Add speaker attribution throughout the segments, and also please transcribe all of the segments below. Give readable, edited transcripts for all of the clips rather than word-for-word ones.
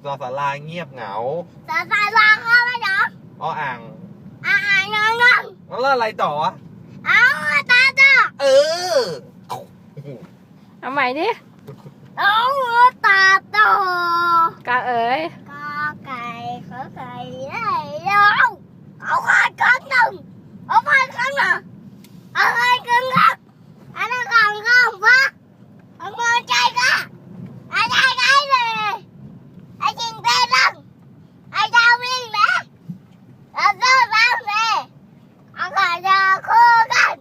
Speaker 1: สอสาราเงียบเหงา
Speaker 2: สาราเข้าไปเหรอ
Speaker 1: อ่าง
Speaker 2: นอนแล้ว
Speaker 1: อะไรต่อวะ
Speaker 2: เอาตา
Speaker 1: เออ
Speaker 3: เอาใหม่ดิ
Speaker 2: เอาตาโต
Speaker 3: กาเอ๋ย
Speaker 2: กาไก่ขอไก่ได้แล้วเอาไข่กันหนึ่งเอาไข่กันหนึ่งเอาไข่กันครับอันนั้นของข้าวฟ้าเอาเงินใจกันเอาใจกันเลยไอ้จิงเต้นลังไอ้ดาววิ่งนะเอาเสื้อบ้างเลยเอาไข่ดาวคู่กัน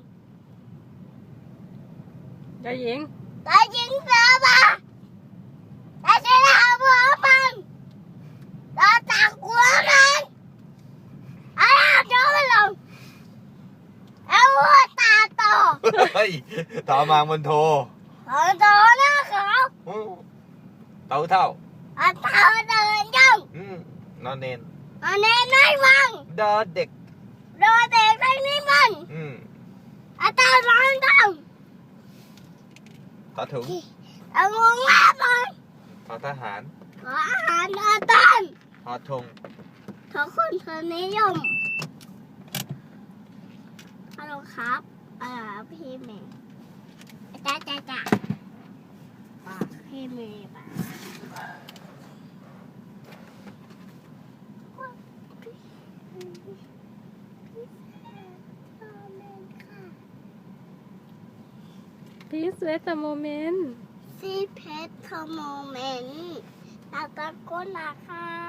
Speaker 3: เจ้าหญิง
Speaker 2: ไอ้จิงเสือมาไอ้เสือหาบัวมันเราตักหัวมันเอาโจ้มันลงเอาหัวตาโต
Speaker 1: เฮ้ยต่อมามันโท
Speaker 2: เอาโตนะเขา
Speaker 1: เต่าเท่า
Speaker 2: เอาเต่าเดินย่อง
Speaker 1: นอนเนน
Speaker 2: เอาเน้นไม่ฟัง
Speaker 1: ดอเด็ก
Speaker 2: รอเด็กทั้งนี้มันเอาเต่าร้องดัง
Speaker 1: ต่อถุง
Speaker 2: เอางงแม่มัน
Speaker 1: ต่อทหาร
Speaker 2: ขออาหารอาตัน
Speaker 1: ทอธง
Speaker 2: ขอคนเธอนิยมฮัลโหลครับพี่เมย์จ้าพี่เมย์ป่ะ
Speaker 3: Please wait a moment
Speaker 2: ซีเพชรโมเมนต์ตาตะโกนนะคะ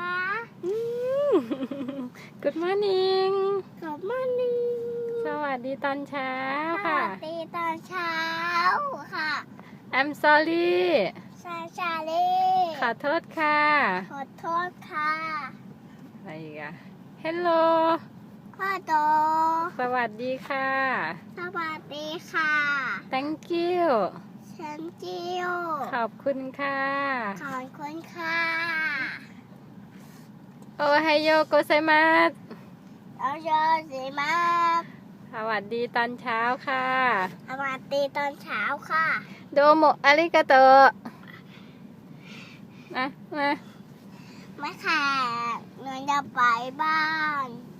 Speaker 3: Good morning
Speaker 2: ขอบคุณนี่
Speaker 3: สวัสดีตอนเช้า
Speaker 2: ส
Speaker 3: ค่ะ
Speaker 2: วัสดีตอนเช้าค่ะ
Speaker 3: I'm sorry
Speaker 2: ชาลี
Speaker 3: ขอโทษค่ะ
Speaker 2: ขอโทษค่ะ
Speaker 3: อะไรอีกอะ Hello
Speaker 2: พ่อโต
Speaker 3: สวัสดีค่ะ
Speaker 2: สวัสดีค่ะ
Speaker 3: Thank you
Speaker 2: ฉันจิว
Speaker 3: ขอบคุณค่ะ
Speaker 2: ขอบคุณค่ะ
Speaker 3: โอไฮโยโกไซมัส
Speaker 2: เอาโยสิมา
Speaker 3: สวัสดีตอนเช้าค่ะ
Speaker 2: สวัสดีตอนเช้าค่ะ
Speaker 3: โดโมอาริกาโตมา
Speaker 2: ไม่ค่ะหนูจะไปบ้าน